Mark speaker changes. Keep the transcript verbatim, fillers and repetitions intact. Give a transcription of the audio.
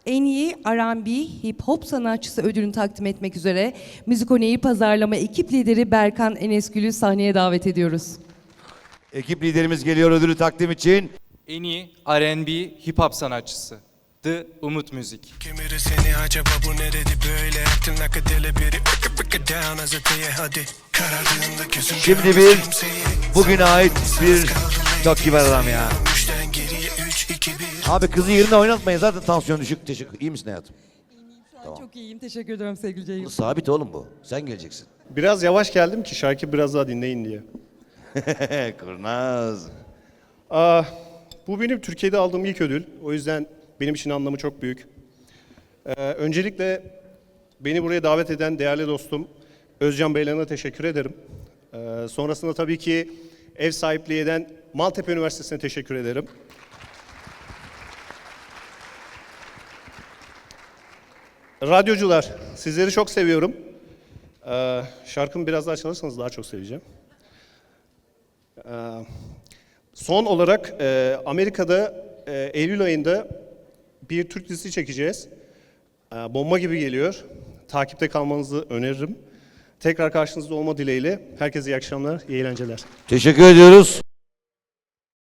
Speaker 1: En iyi R and B Hip Hop sanatçısı ödülünü takdim etmek üzere Müzikone'yi pazarlama ekip lideri Berkan Enesgül'ü sahneye davet ediyoruz.
Speaker 2: Ekip liderimiz geliyor ödülü takdim için.
Speaker 3: En iyi R and B Hip Hop sanatçısı The Umut Müzik.
Speaker 4: Kimiri seni acaba bu ne dedi böyle aklın akadele biri bıkı bıkı down azateye hadi karardığında gözüm
Speaker 2: Şimdi bir bugüne ait bir çok kibar adam ya.
Speaker 4: üçten geriye üç iki bir.
Speaker 2: Abi kızı yerine oynatmayın zaten tansiyon düşük. Teşekkür. İyi misin hayatım?
Speaker 1: Çok iyiyim. Teşekkür ederim sevgili Ceyhun.
Speaker 2: Sabit oğlum bu. Sen geleceksin.
Speaker 5: Biraz yavaş geldim ki şarkı biraz daha dinleyin diye.
Speaker 2: Kurnaz.
Speaker 5: Aa, bu benim Türkiye'de aldığım ilk ödül. O yüzden benim için anlamı çok büyük. Ee, öncelikle beni buraya davet eden değerli dostum Özcan Beylan'a teşekkür ederim. Ee, sonrasında tabii ki ev sahipliği eden Maltepe Üniversitesi'ne teşekkür ederim. Radyocular, sizleri çok seviyorum. Ee, şarkımı biraz daha çalarsanız daha çok seveceğim. Ee, son olarak e, Amerika'da e, Eylül ayında bir Türk dizisi çekeceğiz. Ee, bomba gibi geliyor. Takipte kalmanızı öneririm. Tekrar karşınızda olma dileğiyle. Herkese iyi akşamlar, iyi eğlenceler.
Speaker 2: Teşekkür ediyoruz.